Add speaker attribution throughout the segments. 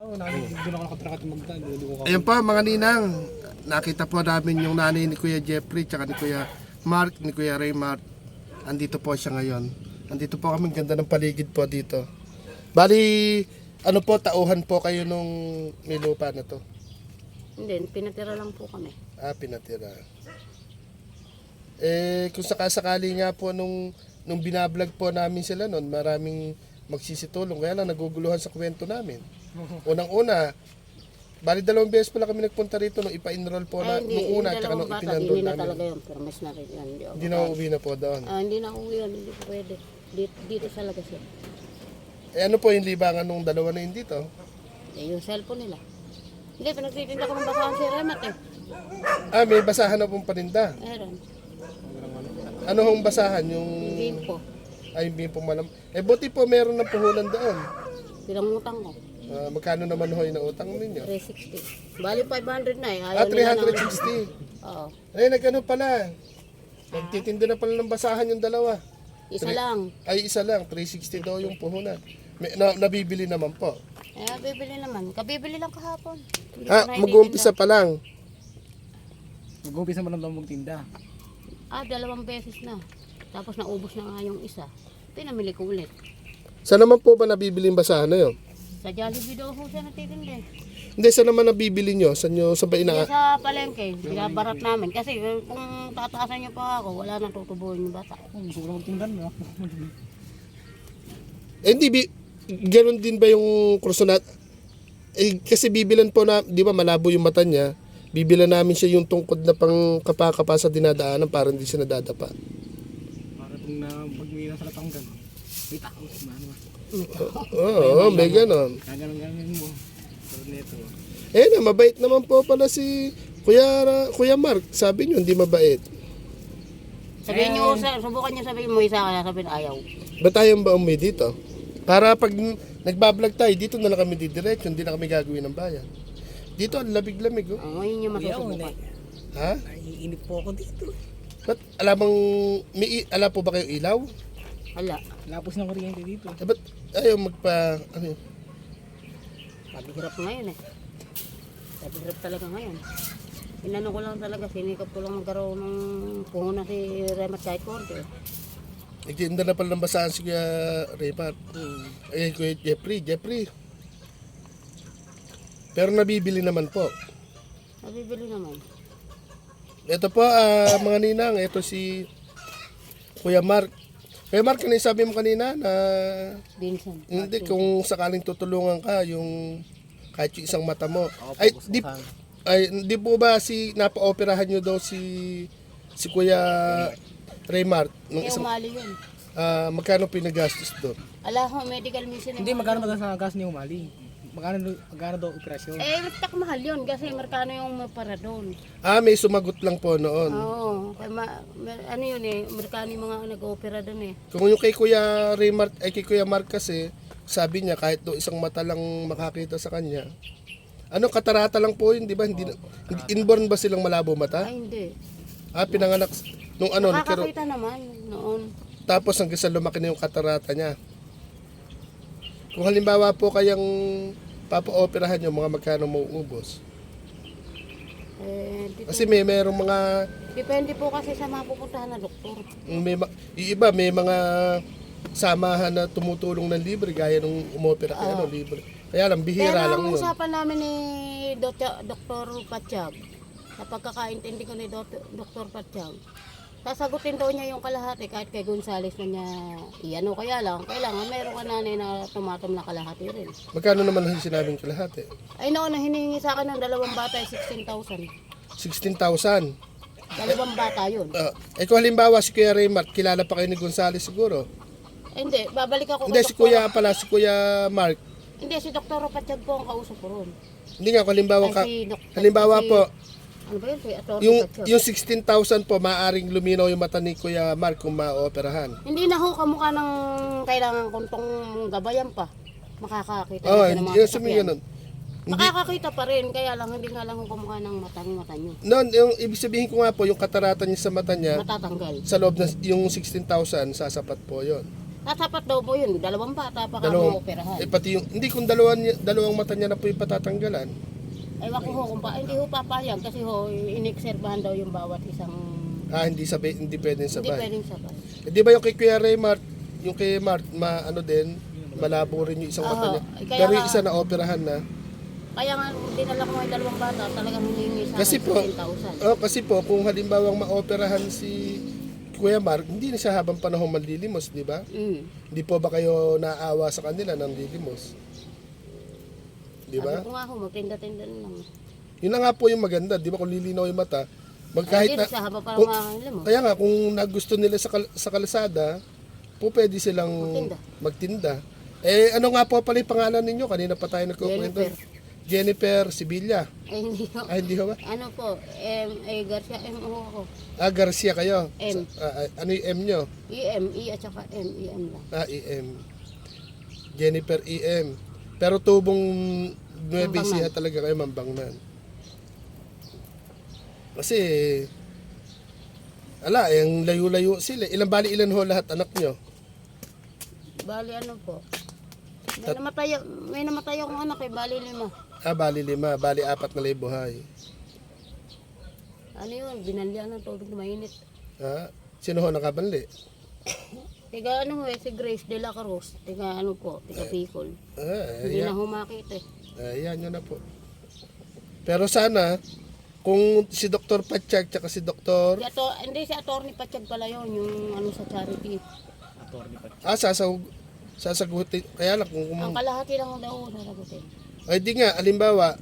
Speaker 1: Doon ako nakatrakat ng magdaan.
Speaker 2: Ayan po mga ninang, nakita po namin yung nanay ni Kuya Jeffrey, tsaka ni Kuya Mark, ni Kuya Raymart. Andito po siya ngayon. Andito po kami, ganda ng paligid po dito. Bali, ano po, tauhan po kayo nung may lupa na to?
Speaker 3: Hindi, pinatira lang po kami.
Speaker 2: Ah, pinatira. Kung sakasakali nga po nung binablog po namin sila noon, maraming magsisitulong. Kaya lang naguguluhan sa kwento namin. Unang-una, bali 2 beses pala kami nagpunta rito nung ipa-enroll po na nung una at saka nung ipinenroll
Speaker 3: Hindi na
Speaker 2: namin.
Speaker 3: talaga yun, pero mas na rin yan.
Speaker 2: Hindi na uuwi na po doon.
Speaker 3: Hindi na uwi yan, hindi po pwede. Dito talaga siya.
Speaker 2: Ano po yung libangan nung dalawa na yun dito?
Speaker 3: Yung cellphone nila. Hindi, pinagtitinda ko ng basahan si Remat eh.
Speaker 2: Ah, may basahan na pong paninda.
Speaker 3: Meron.
Speaker 2: Ano hong basahan? Yung...
Speaker 3: Game po.
Speaker 2: Ay, hindi po malam. Buti po meron ng puhunan doon.
Speaker 3: Pinangutang ko.
Speaker 2: Magkano naman ho yung utang ninyo?
Speaker 3: 360. Bali 500 na eh.
Speaker 2: Ah,
Speaker 3: Ayaw nila
Speaker 2: 360.
Speaker 3: Oo.
Speaker 2: Ay, nagano pala. Nagtitinda na pala ng basahan yung dalawa.
Speaker 3: Isa lang.
Speaker 2: Ay, isa lang. 360 daw yung puhunan. Nabibili naman po.
Speaker 3: Bibili naman. Kabibili lang kahapon. Hindi ko
Speaker 2: Ah,
Speaker 3: na
Speaker 2: mag-uumpisa pa lang.
Speaker 1: Mag-umpisa mo lang daw magtinda.
Speaker 3: 2 beses na. Tapos naubos na nga yung isa. Pinamili ko ulit.
Speaker 2: Saan naman po ba nabibili yung basahan na yun?
Speaker 3: Sa Jollibee daw ho siya natitinda.
Speaker 2: Hindi, saan naman nabibili nyo? Saan nyo, sa ba
Speaker 3: Hindi
Speaker 2: ina?
Speaker 3: sa palengke. Binabarat namin. Kasi kung tataasan niyo pa ako, wala nang tutubuhin yung bata.
Speaker 1: Gusto ko lang magtinda, no?
Speaker 2: Hindi, ganun din ba yung krusonat? Kasi bibilan po na, di ba malabo yung mata niya, bibilan namin siya yung tungkod na pang kapakapa sa dinadaanan para hindi siya nadadapa.
Speaker 1: Para kung na magmira sa Latanggan. May tao, ano.
Speaker 2: Oo, may ganon.
Speaker 1: Kagalang-galang mo. So, neto.
Speaker 2: Mabait naman po pala si Kuya Mark. Sabi niyo, hindi mabait.
Speaker 3: Sabihin niyo, subukan niyo sabihin mo isa kaya sabihin ayaw.
Speaker 2: Ba't tayo ba umuwi dito? Para pag nagbablog tayo, dito na lang kami didiretso, hindi na kami gagawin ng bayan. Dito, ang lamig-lamig. Oh.
Speaker 3: Ngayon niyo masusubukan.
Speaker 2: Ha?
Speaker 1: Naiinip po ako dito.
Speaker 2: Ba't alam po ba kayo ilaw?
Speaker 3: Hala.
Speaker 1: Lapos ng kuryente dito.
Speaker 2: Ba't ayaw ano yun?
Speaker 3: Sabi hirap ngayon eh. Sabi hirap talaga ngayon. Inano ko lang talaga, sinikap ko lang magkaroon ng puhunan si Remat kahit korte.
Speaker 2: Nagtinda na pala ng basahan si Kuya Raymart. Kuya Jeffrey. Pero nabibili naman po.
Speaker 3: Nabibili naman.
Speaker 2: Ito po, mga ninang, ito si Kuya Mark. Kuya Mark, ano yung sabi mo kanina na
Speaker 3: Vincent.
Speaker 2: hindi, kung sakaling tutulungan ka, yung kahit yung isang mata mo. Di po ba napa-operahan nyo daw si Kuya Raymart?
Speaker 3: Kaya umali yun.
Speaker 2: Magkano pinagastos doon?
Speaker 3: Ala ho, medical mission.
Speaker 1: Hindi, magkano ba sa gas ni Umali? Magkano daw operasyon?
Speaker 3: Tak mahal yun kasi Amerikano yung para doon.
Speaker 2: May sumagot lang po noon.
Speaker 3: Oo. Ano yun eh, Amerikano yung mga nag-opera doon eh.
Speaker 2: Kung yung kay Kuya Raymart, kay Kuya Mark kasi, sabi niya kahit do isang mata lang makakita sa kanya. Katarata lang po yun, di ba? Hindi inborn ba silang malabo mata?
Speaker 3: Ay hindi.
Speaker 2: Pinanganak nung
Speaker 3: Nakakakita naman noon.
Speaker 2: tapos hanggang sa lumaki na yung katarata niya. Kung halimbawa po kayang papa-operahan yung mga magkano mauubos. Kasi merong mga
Speaker 3: Depende po kasi sa mga pupuntahan na doktor.
Speaker 2: yung iba may mga samahan na tumutulong ng libre gaya nung umopera kay libre. Kaya lang bihira
Speaker 3: Pero
Speaker 2: lang
Speaker 3: ang
Speaker 2: yun.
Speaker 3: usapan namin ni Dr. Patsyag, sa pagkakaintindi ko ni Dr. Patsyag, sasagutin daw niya yung kalahati kahit kay Gonzales na niya iano. Kaya lang, kailangan meron ka nanay na tumatom na kalahati rin.
Speaker 2: Magkano naman ang sinabing kalahati?
Speaker 3: Ay noon, hinihingi sa akin ng 2 bata ay 16,000.
Speaker 2: 16,000.
Speaker 3: 2 bata yun.
Speaker 2: Kung halimbawa si Kuya Raymart, kilala pa kayo ni Gonzales siguro.
Speaker 3: Hindi, babalik ako
Speaker 2: Hindi,
Speaker 3: kay
Speaker 2: si Kuya Mark.
Speaker 3: Hindi, si Dr. Patsyag po ang kausap ko ron.
Speaker 2: Hindi nga, kung halimbawa,
Speaker 3: Halimbawa
Speaker 2: po,
Speaker 3: ano ba yun? Si Dr.
Speaker 2: yung
Speaker 3: Patsyag.
Speaker 2: 16,000 po, maaaring luminaw yung mata ni Kuya Mark kung ma-operahan.
Speaker 3: Hindi na ho kamukha ng kailangan kong tong gabayan pa. Makakakita na siya ng mga
Speaker 2: Yung
Speaker 3: sasakyan.
Speaker 2: ganun.
Speaker 3: Makakakita pa rin, kaya lang hindi nga lang ho kamukha ng mata nyo.
Speaker 2: Noon, yung ibig sabihin ko nga po, yung katarata niya sa mata niya,
Speaker 3: Matatanggal.
Speaker 2: sa loob ng yung 16,000, sasapat po yon.
Speaker 3: Tatapat daw po yun, 2 bata pa
Speaker 2: Dalawang,
Speaker 3: kamo operahan.
Speaker 2: pati yung, hindi kung dalawang mata niya na po yung patatanggalan.
Speaker 3: Ewan ko ho kung hindi ho papayag kasi ho inekserbahan daw yung bawat isang
Speaker 2: Hindi pwedeng
Speaker 3: hindi
Speaker 2: sabay.
Speaker 3: pwedeng sabay.
Speaker 2: Di ba yung kay Kuya Raymart, yung kay Mart, ano din, malabo rin yung isang mata
Speaker 3: Oo,
Speaker 2: niya.
Speaker 3: kaya
Speaker 2: Pero yung
Speaker 3: nga-
Speaker 2: isa na operahan na.
Speaker 3: Kaya nga dinala ko yung 2 bata, talagang hiningi sa
Speaker 2: Kasi
Speaker 3: akin
Speaker 2: po,
Speaker 3: 15,000.
Speaker 2: kasi po, kung halimbawang maoperahan si Kuya Mark, hindi na siya habang panahon manlilimos, di ba? Hindi po ba kayo naawa sa kanila ng lilimos? Di ba?
Speaker 3: Sabi ko nga ho, magtinda-tinda na lang.
Speaker 2: Yun na nga po yung maganda, di ba? Kung lilinaw yung mata, kahit
Speaker 3: Hindi
Speaker 2: na,
Speaker 3: sa haba para
Speaker 2: kung-
Speaker 3: makakailan mo.
Speaker 2: kaya nga, kung nagusto nila sa kalsada, po pwede silang
Speaker 3: Magtinda.
Speaker 2: magtinda. Eh, ano nga po pala yung pangalan ninyo? Kanina pa tayo nagkukwento. Jennifer Sibilla.
Speaker 3: Hindi ho.
Speaker 2: Hindi ho ba?
Speaker 3: Ano po, Garcia, ho ako.
Speaker 2: Garcia kayo.
Speaker 3: M.
Speaker 2: Ano yung M nyo?
Speaker 3: E at saka M lang.
Speaker 2: EM. Jennifer EM. Pero tubong Nueva
Speaker 3: Mambangnan.
Speaker 2: Ecija talaga kayo, Mambangnan. Kasi, yung layo-layo sila. Ilan ho lahat anak nyo?
Speaker 3: Bali ano po. May namatay akong anak bali 5.
Speaker 2: Bali 5. Bali 4 na buhay.
Speaker 3: Ano yun, binalyan ng tubig na mainit.
Speaker 2: Sino ho nakabanli?
Speaker 3: Tiga ano si Grace de la Cruz. Tiga ano po, tiga Bicol. Hindi na humakit
Speaker 2: Ayan nyo na po. Pero sana, kung si Dr. Patsyag tsaka si Dr.
Speaker 3: Hindi si Atty. Patsyag pala yun, yung ano sa charity.
Speaker 1: Attorney pa.
Speaker 2: Sasagutin. Kaya lang kung
Speaker 3: Ang kalahati lang daw sasagutin.
Speaker 2: ay di nga, alimbawa,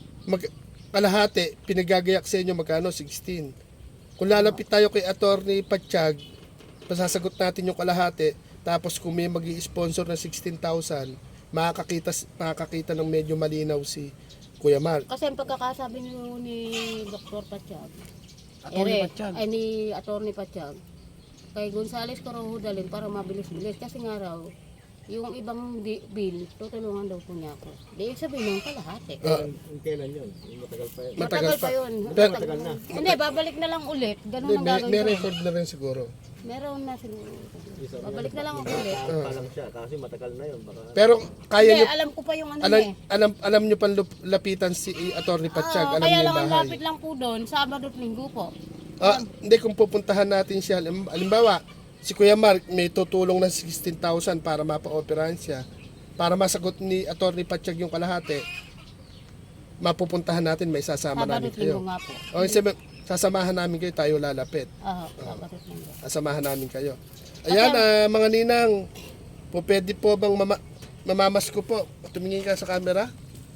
Speaker 2: kalahati, pinagagayak sa inyo magkano? 16. Kung lalapit tayo kay Attorney Patsyag, pasasagot natin yung kalahati, tapos kung may mag-i-sponsor ng 16,000, makakakita ng medyo malinaw si Kuya Mark.
Speaker 3: Kasi ang pagkakasabi ni Dr. Patsyag,
Speaker 1: Attorney Patsyag.
Speaker 3: ni Atty. Patsyag, kay Gonzales ko raw dalhin para mabilis-bilis. Kasi nga raw, yung ibang bill, tutulungan daw po niya ako. Di sabihin ng kalahati.
Speaker 1: Kailan yun? Matagal pa yun.
Speaker 3: Matagal pa yun.
Speaker 2: Pero-
Speaker 3: Matagal na. Hindi, babalik na lang ulit. Ganun ang
Speaker 2: May
Speaker 3: gagawin ko.
Speaker 2: record na rin siguro.
Speaker 3: Meron na siguro. Babalik na lang ako ulit.
Speaker 1: Pa lang siya kasi matagal na yun. Baka
Speaker 2: Pero kaya
Speaker 3: Hindi,
Speaker 2: nyo,
Speaker 3: alam ko pa yung ano niya.
Speaker 2: alam nyo pang lapitan si Attorney Patsyag, alam
Speaker 3: Kaya
Speaker 2: niyo
Speaker 3: lang
Speaker 2: yung
Speaker 3: ang
Speaker 2: bahay.
Speaker 3: lapit lang po doon, Sabado at Linggo po.
Speaker 2: Hindi, kung pupuntahan natin siya, alimbawa, si Kuya Mark may tutulong ng 16,000 para mapa-operahan siya. Para masagot ni Attorney Patsyag yung kalahati, mapupuntahan natin, may sasama
Speaker 3: Sabado
Speaker 2: namin
Speaker 3: at Linggo
Speaker 2: kayo.
Speaker 3: nga po.
Speaker 2: Sasamahan namin kayo, tayo lalapit.
Speaker 3: Sabado at Linggo.
Speaker 2: Sasamahan namin kayo. Ayan, mga ninang, pwede po bang mamamasko po? Tumingin ka sa camera.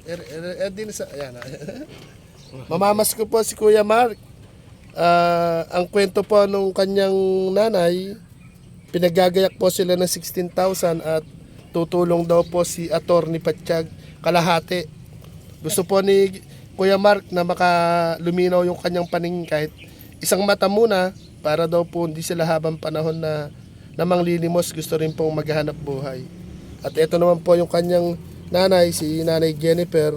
Speaker 2: Ayan. Mamamasko po si Kuya Mark. Ang kwento po nung kanyang nanay, pinagagayak po sila ng 16,000 at tutulong daw po si Attorney Patsyag kalahati. Gusto po ni Kuya Mark na makaluminaw yung kanyang paningin kahit isang mata muna para daw po hindi sila habang panahon na manglilimos, gusto rin pong maghanap buhay. At ito naman po yung kanyang nanay, si Nanay Jennifer,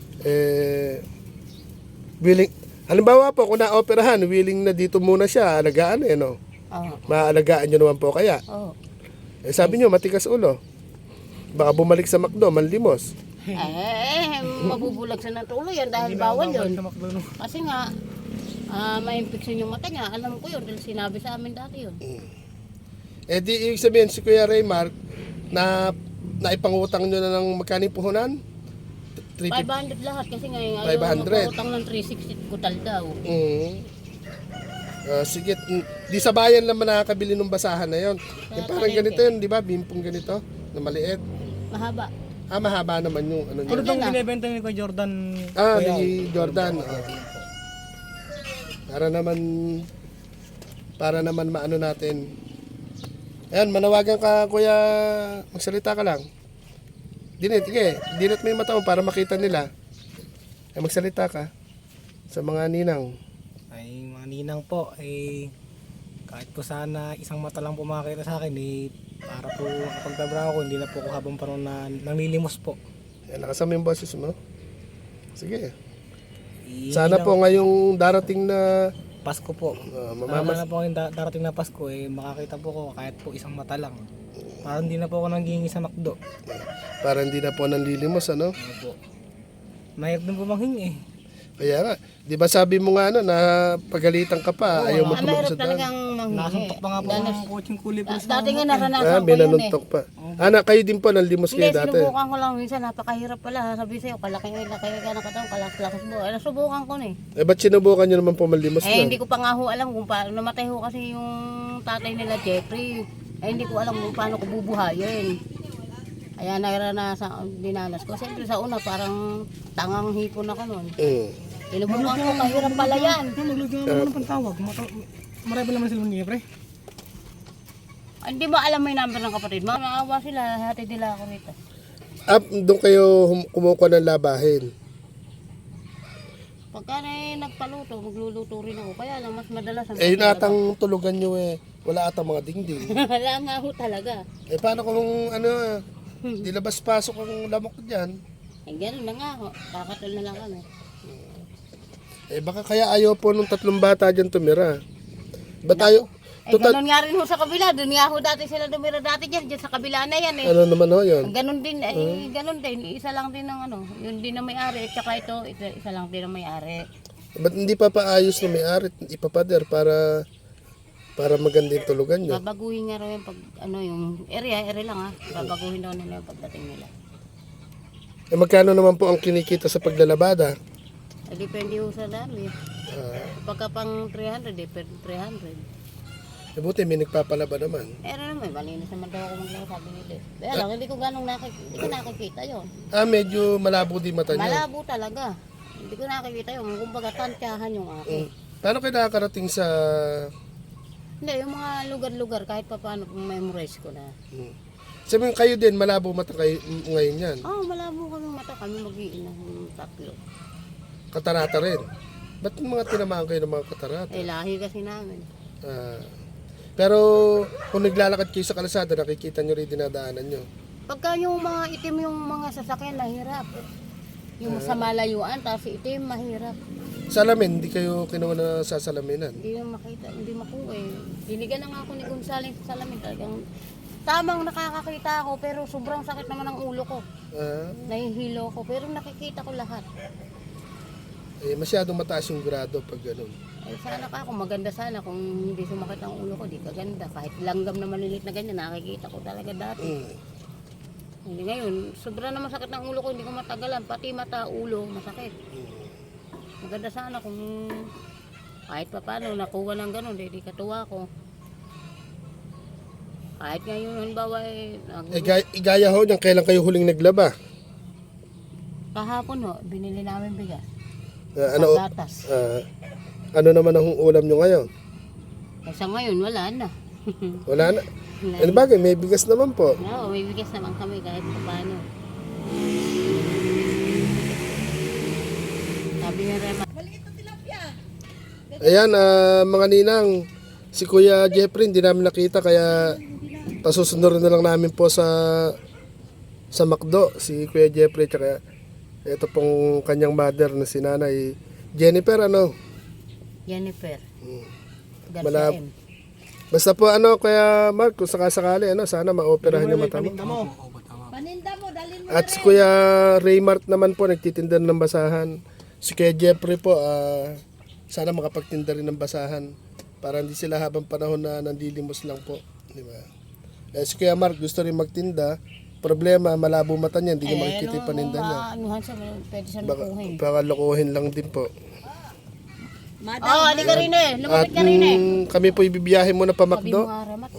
Speaker 2: willing, halimbawa po kung na-operahan, willing na dito muna siya, alagaan no? Maalagaan nyo naman po kaya. Sabi nyo, matikas ulo. Baka bumalik sa McDo, manlimos.
Speaker 3: Mabubulag sa natuloy yan dahil bawal yun. Kasi nga, ma-infection yung mata niya. Alam ko yun dahil sinabi sa amin dati yun.
Speaker 2: Di ibig sabihin si Kuya Raymart na naipangutang nyo na ng magkaning puhunan?
Speaker 3: 500 lahat kasi nga yung
Speaker 2: 500.
Speaker 3: magpautang ng 360 kutal daw.
Speaker 2: Sige, di sa bayan naman nakakabili ng basahan na yon. Yung parang ganito yun, di ba? Bimpong ganito, na maliit.
Speaker 3: Mahaba.
Speaker 2: Mahaba naman yung ano
Speaker 1: Ano
Speaker 2: niya.
Speaker 1: itong binibenta ni Kuya Jordan?
Speaker 2: Ni Jordan. Para naman maano natin. Ayan, manawagan ka Kuya, magsalita ka lang. Dinit mo yung mata mo para makita nila. Magsalita ka sa mga ninang.
Speaker 1: Ay, mga ninang po, kahit po sana isang mata lang po makakita sa akin, para po kapagtabraho ko, hindi na po ako habang panahon na nanglilimos po.
Speaker 2: Ayan, nakasama yung boses mo. Sige. Sana po ngayong darating na
Speaker 1: Pasko po. Sana na po ngayong darating na Pasko, makakita po ko kahit po isang mata lang. Parang hindi na po ako nanghihingi sa McDo.
Speaker 2: Para hindi na po nanlilimos, ano?
Speaker 1: Opo. Mahirap din po manghingi eh.
Speaker 2: Kaya nga, di ba sabi mo nga ano, na pagalitan ka pa, ayaw mo tumawag
Speaker 3: Mahirap
Speaker 2: sa daan.
Speaker 3: talagang manghingi.
Speaker 1: Nasuntok pa nga po ang kutsing kulay po sa
Speaker 3: Dati nga
Speaker 2: Ah,
Speaker 3: naranasan ko
Speaker 2: may
Speaker 3: yun eh.
Speaker 2: nanuntok pa. Anak, kayo din po, nanlimos
Speaker 3: Hindi,
Speaker 2: kayo dati.
Speaker 3: sinubukan ko lang minsan, napakahirap pala. Sabi sa'yo, kalaki ka ng katawan, kalaki mo. Nasubukan ko na eh.
Speaker 2: Eh, ba't sinubukan nyo naman po manlimos
Speaker 3: Eh,
Speaker 2: na?
Speaker 3: hindi ko pa nga ho alam kung paano. Namatay ho kasi yung tatay nila, Jeffrey. Eh, hindi ko alam kung paano ko bubuhayin. Kaya naranasan, dinanas ko. Siyempre sa una, parang tangang hipon ako nun. Sinubukan ko, kahirap pala yan.
Speaker 1: Maglagyan naman ng pantawag. Marami naman sila ni pre.
Speaker 3: Hindi mo alam may number ng kapatid mo. Naawa sila, hati nila ako rito.
Speaker 2: Doon kayo kumukuha ng labahin.
Speaker 3: Pagka nagpaluto, magluluto rin ako. Kaya lang, mas madalas ang
Speaker 2: Eh, yun atang tulugan nyo eh. Wala atang mga dingding.
Speaker 3: Wala nga ho talaga.
Speaker 2: Eh, paano kung ano, di labas-pasok ang lamok dyan?
Speaker 3: Eh, ganun na nga ho. Kakatol na lang kami.
Speaker 2: Eh, baka kaya ayaw po nung 3 bata dyan tumira. Ba tayo?
Speaker 3: Eh, ganun nga rin ho sa kabila. Doon nga ho dati sila dumira dati dyan. Dyan sa kabila na yan eh.
Speaker 2: Ano naman ho yun?
Speaker 3: Ganun din, ganun din. Isa lang din ng ano. Yun din na may-ari. At saka ito, isa lang din na may-ari.
Speaker 2: Ba't hindi pa paayos na may-ari? Ipapader para maganda yung tulugan nyo?
Speaker 3: Babaguhin nga raw yung pag, ano, yung area lang ha. Babaguhin daw nila yung pagdating nila.
Speaker 2: Eh, magkano naman po ang kinikita sa paglalabada?
Speaker 3: Eh, depende ho sa dami. Pagka pang 300, depende 300.
Speaker 2: Eh, buti may nagpapalaba naman.
Speaker 3: Pero naman, malinis naman daw ako maglaro, sabi nila. Kaya lang, hindi ko nakikita yun.
Speaker 2: Medyo malabo di mata nyo.
Speaker 3: Malabo talaga. Hindi ko nakikita yun. Kumbaga, tantyahan yung akin.
Speaker 2: Paano kayo nakakarating sa...
Speaker 3: Hindi, yung mga lugar-lugar, kahit pa paano, memorize ko na.
Speaker 2: Sabihin kayo din, malabo mata kayo ngayon yan.
Speaker 3: Malabo kami mata. Kami mag-iina ng 3.
Speaker 2: Katarata rin. Ba't mga tinamaan kayo ng mga katarata?
Speaker 3: Eh, lahi kasi namin.
Speaker 2: Pero kung naglalakad kayo sa kalsada, nakikita nyo rin dinadaanan nyo.
Speaker 3: Pagka yung mga itim yung mga sasakyan, mahirap. Yung sa malayuan, tapos itim, mahirap.
Speaker 2: Salamin, hindi kayo kinuha na sa salaminan.
Speaker 3: Hindi mo makita, hindi makuha eh. Dinigan na nga ako ni Gonzales sa salamin. Talagang tamang nakakakita ako, pero sobrang sakit naman ang ulo ko. Nahihilo ko, pero nakikita ko lahat.
Speaker 2: Masyadong mataas yung grado pag gano'n.
Speaker 3: Sana ka ako, maganda sana kung hindi sumakit ang ulo ko, di kaganda. Kahit langgam na malilit na ganyan, nakikita ko talaga dati. Hindi ngayon, sobrang na masakit ng ulo ko, hindi ko matagalan. Pati mata, ulo, masakit. Maganda sana kung kahit pa paano nakuha ng gano'n, di katuwa ko. Kahit ngayon, halimbawa
Speaker 2: Igaya ho niyan, kailan kayo huling naglaba?
Speaker 3: kahapon ho, binili namin bigas.
Speaker 2: Gatas.
Speaker 3: Gatas.
Speaker 2: Ano naman ang ulam nyo ngayon?
Speaker 3: Sa ngayon, wala na.
Speaker 2: Wala na. Ano bagay, may bigas naman po.
Speaker 3: Oo, may bigas naman kami kahit pa paano. Sabi ni Rema,
Speaker 2: Ayan, mga ninang, si Kuya Jeffrey hindi namin nakita kaya pasusunod na lang namin po sa McDo, si Kuya Jeffrey tsaka ito pong kanyang mother na si Nanay Jennifer, ano?
Speaker 3: Jennifer.
Speaker 2: Malab-
Speaker 3: Garcia M.
Speaker 2: Basta po Kuya Mark, kung sakasakali, sana maoperahan yung mata mo. At si Kuya Raymart naman po, nagtitinda ng basahan. Si Kuya Jeffrey po, sana makapagtinda rin ng basahan para hindi sila habang panahon na nandilimos lang po. Di ba? Si Kuya Mark gusto rin magtinda. Problema, malabo mata niya, hindi niya makikita yung paninda niya.
Speaker 3: Anuhan siya, pwede siya lukuhin.
Speaker 2: Baka lokohin lang din po.
Speaker 3: Oo, hindi ka rin eh. Lumapit ka rin eh.
Speaker 2: Kami po ibibiyahe muna pa
Speaker 3: Sabi mo
Speaker 2: McDo.
Speaker 3: nga, Ramat,